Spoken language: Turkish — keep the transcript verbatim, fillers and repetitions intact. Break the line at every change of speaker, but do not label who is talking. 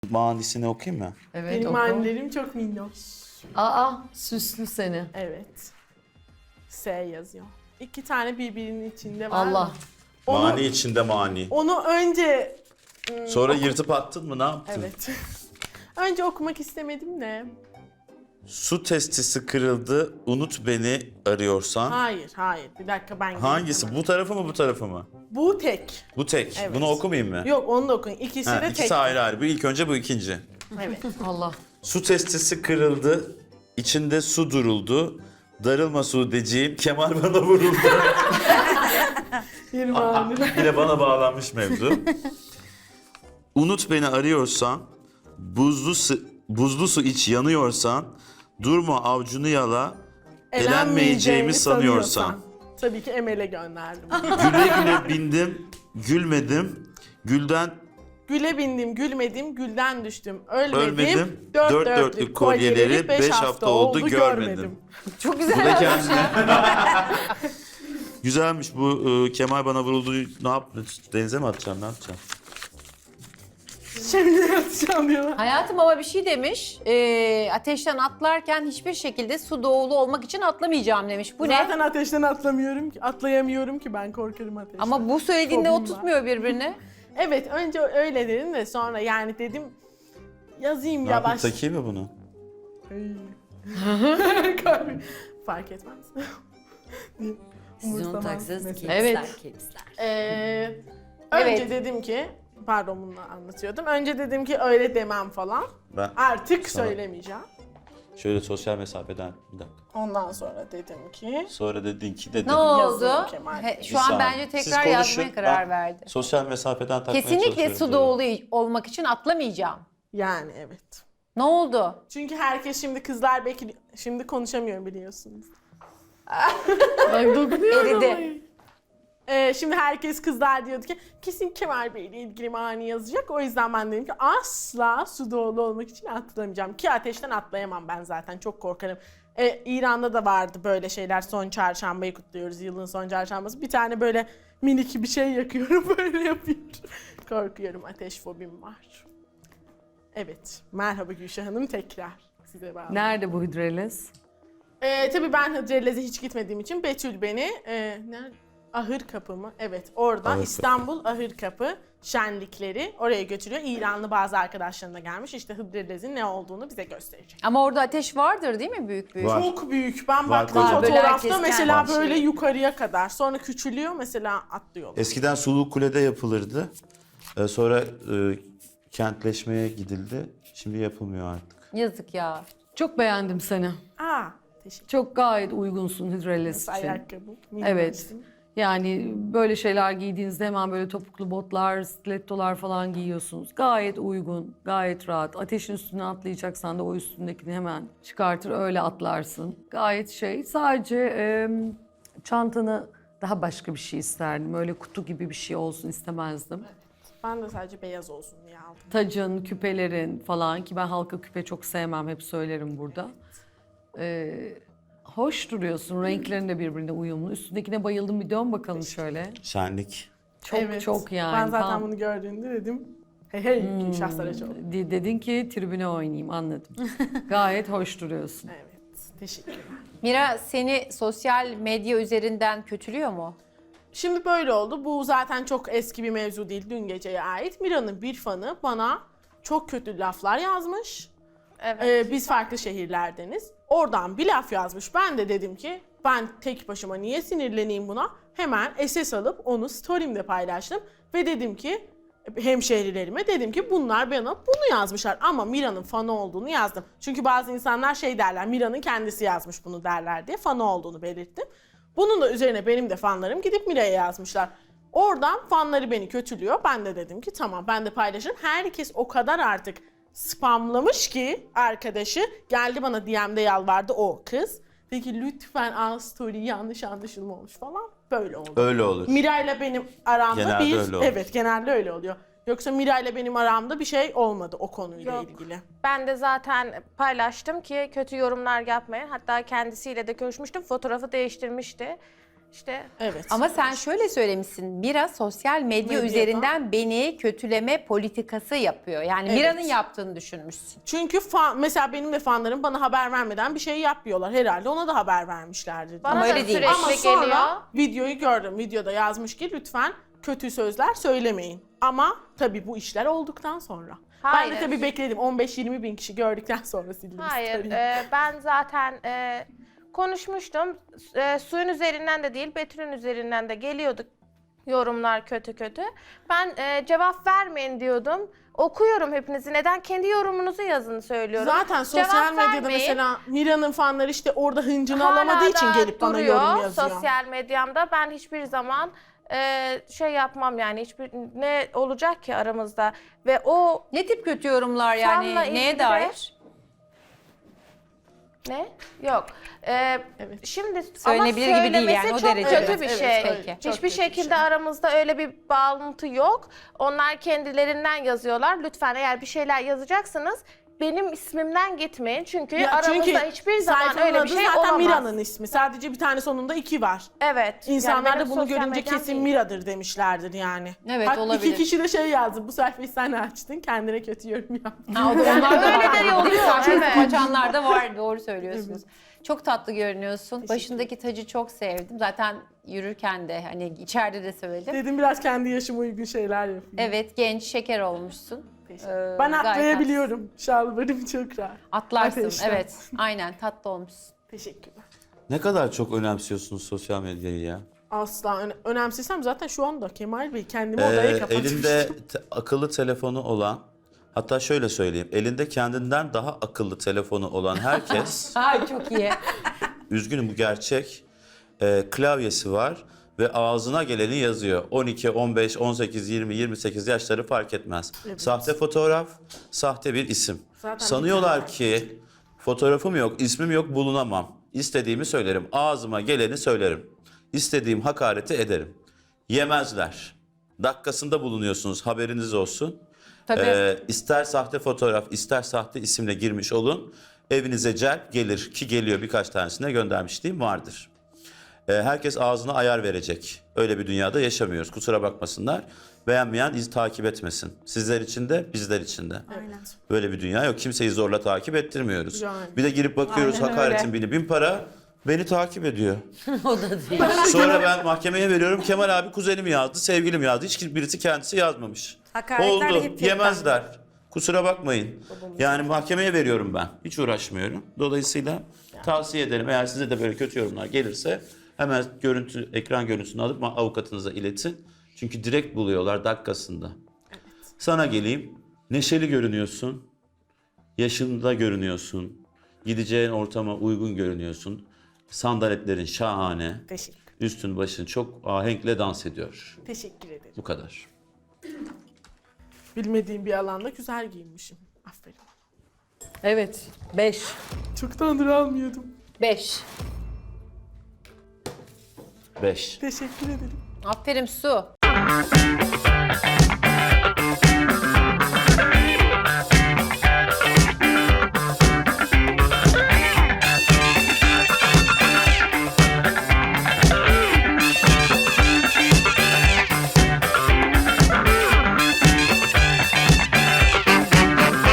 Manisini okuyayım mı?
Evet,
Benim
oku.
annem çok minnoş.
Aa, süslü seni.
Evet. S yazıyor. İki tane birbirinin içinde var.
Allah.
Onu,
Mani içinde mani.
onu önce... ım,
Sonra yırtıp attın mı, ne yaptın?
Evet. Önce okumak istemedim de.
Su testisi kırıldı, unut beni arıyorsan.
Hayır, hayır. Bir dakika ben geleyim
Hangisi?
hemen.
Bu tarafı mı, bu tarafı mı?
Bu tek.
Bu tek.
Evet.
Bunu okumayayım mı?
Yok, onu da okuyun. İkisi
Ha,
de tek.
ikisi ayrı ayrı. Bu ilk önce, bu ikinci.
Evet.
Allah.
Su testisi kırıldı, içinde su duruldu. Darılma Suudeciğim, kemer bana vuruldu.
Bir mani.
Yine bana bağlanmış mevzu. Unut beni arıyorsan, buzlu su, buzlu su iç yanıyorsan, durma avcunu yala, elenmeyeceğimi sanıyorsan.
Tabii ki Emel'e gönderdim.
Güle güle bindim, gülmedim, gülden
Güle bindim, gülmedim, gülden düştüm. Ölmedim,
ölmedim,
dört,
dört
dörtlük,
dörtlük
kolyeleri
kolyeleri
beş hafta oldu görmedim.
Çok
Bu
güzel.
da kendine. Güzelmiş bu e, Kemal bana vuruldu. Ne yaptın? Denize mi atacaksın? Ne yapacaksın?
Şimdi yatacağım diyorlar.
Hayatım ama bir şey demiş. Ee, ateşten atlarken hiçbir şekilde su doğulu olmak için atlamayacağım demiş. Bu
Zaten
ne?
ateşten atlamıyorum ki, atlayamıyorum ki ben korkarım ateşten.
Ama bu söylediğinde o
Fobim var.
tutmuyor birbirini.
Evet, önce öyle dedim de sonra yani dedim yazayım
Ne yapayım?
yavaş.
Takayım mı bunu?
Kalbim- Fark etmez.
Siz onu
Umursamaz
taksanız
mesela.
Evet.
kepsler, kepsler.
Ee, önce
Evet.
dedim ki, pardon bunu anlatıyordum. Önce dedim ki öyle demem falan.
Ben
Artık
Sana-
söylemeyeceğim.
şöyle sosyal mesafeden bir dakika.
Ondan sonra dedim ki
Sonra dedin ki dedim.
Ne oldu?
Yazıyorum Kemal.
He, şu
Bir
an
saniye.
bence
Siz
tekrar
konuşun,
yazmaya karar
ben
verdi.
Sosyal mesafeden takmaya
Kesinlikle
çalışıyorum
su
tabii.
doğulu olmak için atlamayacağım.
yani evet.
Ne oldu?
Çünkü herkes şimdi kızlar bekliyor. Şimdi konuşamıyorum biliyorsunuz.
Bak dokunuyorum.
Eridi.
Ee, şimdi herkes kızlar diyordu ki kesin Kemal Bey ile ilgili mani yazacak. O yüzden ben dedim ki asla su doğulu olmak için atlamayacağım. Ki ateşten atlayamam ben zaten, çok korkarım. Ee, İran'da da vardı böyle şeyler, son çarşambayı kutluyoruz, yılın son çarşambası. Bir tane böyle minik bir şey yakıyorum, böyle yapıyorum. Korkuyorum, ateş fobim var. Evet, merhaba Gülşah Hanım, tekrar size bağlı.
Nerede bu hidrelez?
Ee, tabii ben Hıdrellez'e hiç gitmediğim için Betül beni e, nerede? Ahır Kapı mı? Evet, orada
Ahır Kapı.
İstanbul Ahır Kapı şenlikleri oraya götürüyor. İranlı bazı arkadaşlarına gelmiş. İşte Hıdrellez'in ne olduğunu bize gösterecek.
Ama orada ateş vardır değil mi büyük büyük?
Var.
Çok büyük. Ben
Var,
baktım
var.
Böyle
fotoğrafta
herkes
mesela
kendi
böyle
şeyi.
yukarıya kadar. Sonra küçülüyor, mesela atlıyorlar.
Eskiden Sulu Kule'de yapılırdı. Ee, sonra e, kentleşmeye gidildi. Şimdi yapılmıyor artık.
Yazık ya.
Çok beğendim seni.
Aa, teşekkür
Çok gayet uygunsun hidrelez için.
Ayakkabı.
Evet. Yani böyle şeyler giydiğinizde hemen böyle topuklu botlar, stilettolar falan giyiyorsunuz. Gayet uygun, gayet rahat. Ateşin üstüne atlayacaksan da o üstündekini hemen çıkartır öyle atlarsın. Gayet şey. Sadece e, çantanı daha başka bir şey isterdim. Öyle kutu gibi bir şey olsun istemezdim.
Ben de sadece beyaz olsun diye aldım.
Tacın, küpelerin falan ki ben halka küpe çok sevmem, hep söylerim burada. Ee, hoş duruyorsun, renklerin de birbirine uyumlu. Üstündekine bayıldım, bir dön bakalım şöyle.
Şenlik.
Çok
Evet.
çok yani.
Ben zaten
tam-
bunu gördüğümde dedim. Hey hey Gülşah Saraçoğlu.
De- Dedin ki tribüne oynayayım, anladım. Gayet hoş duruyorsun.
Evet. Teşekkürler.
Mira seni sosyal medya üzerinden kötülüyor mu?
Şimdi böyle oldu. Bu zaten çok eski bir mevzu değil. Dün geceye ait. Mira'nın bir fanı bana çok kötü laflar yazmış.
Evet.
Ee, biz farklı şehirlerdeniz. Oradan bir laf yazmış. Ben de dedim ki ben tek başıma niye sinirleneyim buna? Hemen S S alıp onu story'imde paylaştım. Ve dedim ki hemşehrilerime dedim ki bunlar bana bunu yazmışlar. Ama Mira'nın fanı olduğunu yazdım. Çünkü bazı insanlar şey derler, Mira'nın kendisi yazmış bunu derler diye fanı olduğunu belirttim. Bunun da üzerine benim de fanlarım gidip Mira'ya yazmışlar. Oradan fanları beni kötülüyor. Ben de dedim ki tamam ben de paylaşırım. Herkes o kadar artık spamlamış ki arkadaşı geldi bana D M'de yalvardı o kız. Dedi ki lütfen al story yanlış anlaşılma olmuş falan. Böyle oldu.
Öyle olur.
Mira'yla benim aramda
Genelde
bir
öyle olur.
evet genelde öyle oluyor. Yoksa Mira'yla benim aramda bir şey olmadı o konuyla
Yok.
ilgili.
Ben de zaten paylaştım ki kötü yorumlar yapmayın. Hatta kendisiyle de görüşmüştüm. Fotoğrafı değiştirmişti.
İşte
Evet.
Ama sen şöyle söylemişsin. Mira sosyal medya
Medyada.
üzerinden beni kötüleme politikası yapıyor. Yani
Evet.
Mira'nın yaptığını düşünmüşsün.
Çünkü fan, mesela benim de fanlarım bana haber vermeden bir şey yapmıyorlar. Herhalde ona da haber vermişlerdir.
bana
Ama
da
öyle değil.
sürekli
Ama sonra
geliyor.
videoyu gördüm. Videoda yazmış ki lütfen kötü sözler söylemeyin. Ama tabii bu işler olduktan sonra. Ben
Hayır.
de tabii bekledim. on beş yirmi bin kişi gördükten sonra sildim.
Hayır,
story'yi.
e, ben zaten e, konuşmuştum. E, suyun üzerinden de değil, Betül'ün üzerinden de geliyordu yorumlar kötü kötü. Ben e, cevap vermeyin diyordum. Okuyorum hepinizi. Neden? Kendi yorumunuzu yazın söylüyorum.
Zaten sosyal
Cevap
medyada
vermeyin.
mesela Mira'nın fanları işte orada hıncını
Hala
alamadığı için
da
gelip bana
duruyor
yorum yazıyor.
sosyal medyamda. Ben hiçbir zaman e, şey yapmam yani. Hiçbir ne olacak ki aramızda? Ve o
Ne tip kötü yorumlar yani?
Fanla
Neye
ilgili de-
dair?
ne? Yok. E, Şimdi
Söylenebilir
ama
gibi değil yani,
söylemesi
o
çok
derece.
kötü
Evet,
bir
evet,
şey.
öyle. Çok
Hiçbir
kötü bir
şekilde
şey.
aramızda öyle bir bağlantı yok. Onlar kendilerinden yazıyorlar. Lütfen eğer bir şeyler yazacaksınız benim ismimden gitmeyin. Çünkü
Ya
aramızda
çünkü
hiçbir zaman
sayfanın
öyle bir
adı
şey
zaten
olamaz.
Mira'nın ismi. Sadece bir tane sonunda iki var.
Evet.
İnsanlar
Yani
da
benim
bunu
sosyal
görünce
medyam
kesin
değil.
Mira'dır demişlerdir yani.
Evet,
Hatta
olabilir.
iki kişi de şey yazdı. Bu sayfayı sen açtın. Kendine kötü yorum yaptın.
Ha, o da onlar da
Öyle
var.
de oluyor,
Saçma
evet.
sapanlar da var. Doğru söylüyorsunuz. Çok tatlı görünüyorsun. Başındaki tacı çok sevdim. Zaten yürürken de hani içeride de söyledim.
Dedim biraz kendi yaşıma uygun şeyler yapayım.
Evet, genç, şeker olmuşsun. Ee,
Ben
gayet
atlayabiliyorum. Şalvarım çok rahat.
Atlarsın,
Ateşten.
evet. Aynen, tatlı olmuşsun.
Teşekkürler.
Ne kadar çok önemsiyorsunuz sosyal medyayı ya.
Asla öne- önemsesem zaten şu anda Kemal Bey kendimi
Ee,
odaya kapatmıştım.
elinde te- akıllı telefonu olan, hatta şöyle söyleyeyim, elinde kendinden daha akıllı telefonu olan herkes,
Ay çok iyi.
üzgünüm bu gerçek, e, klavyesi var ve ağzına geleni yazıyor. on iki, on beş, on sekiz, yirmi, yirmi sekiz yaşları fark etmez. Sahte fotoğraf, sahte bir isim.
Zaten
Sanıyorlar ki fotoğrafım yok, ismim yok, bulunamam. İstediğimi söylerim, ağzıma geleni söylerim. İstediğim hakareti ederim. Yemezler. Dakikasında bulunuyorsunuz, haberiniz olsun.
Tabii.
Ee, ister sahte fotoğraf, ister sahte isimle girmiş olun. Evinize celp gelir ki geliyor, birkaç tanesine göndermişliğim vardır. Ee, herkes ağzına ayar verecek. Öyle bir dünyada yaşamıyoruz. Kusura bakmasınlar. Beğenmeyen iz takip etmesin. Sizler için de bizler için de. Böyle bir dünya yok. Kimseyi zorla takip ettirmiyoruz.
Yani.
Bir de girip bakıyoruz
Aynen
hakaretin
öyle.
bini bin para. Beni takip ediyor.
O da değil.
Sonra ben mahkemeye veriyorum. Kemal abi kuzenim yazdı, sevgilim yazdı. Hiç birisi kendisi yazmamış.
Hakaretler de
Oldu.
hep
Yemezler. Kusura bakmayın. Yani mahkemeye veriyorum ben. Hiç uğraşmıyorum. Dolayısıyla tavsiye ederim. Eğer size de böyle kötü yorumlar gelirse hemen görüntü, ekran görüntüsünü alıp avukatınıza iletin. Çünkü direkt buluyorlar dakikasında. Sana geleyim. Neşeli görünüyorsun. Yaşında görünüyorsun. Gideceğin ortama uygun görünüyorsun. Sandaletlerin şahane.
Teşekkür.
Üstün başın çok ahenkle dans ediyor.
Teşekkür ederim.
Bu kadar.
Bilmediğim bir alanda güzel giyinmişim. Aferin.
Evet, beş.
Çoktandır almıyordum.
Beş.
Beş.
Teşekkür ederim.
Aferin Su.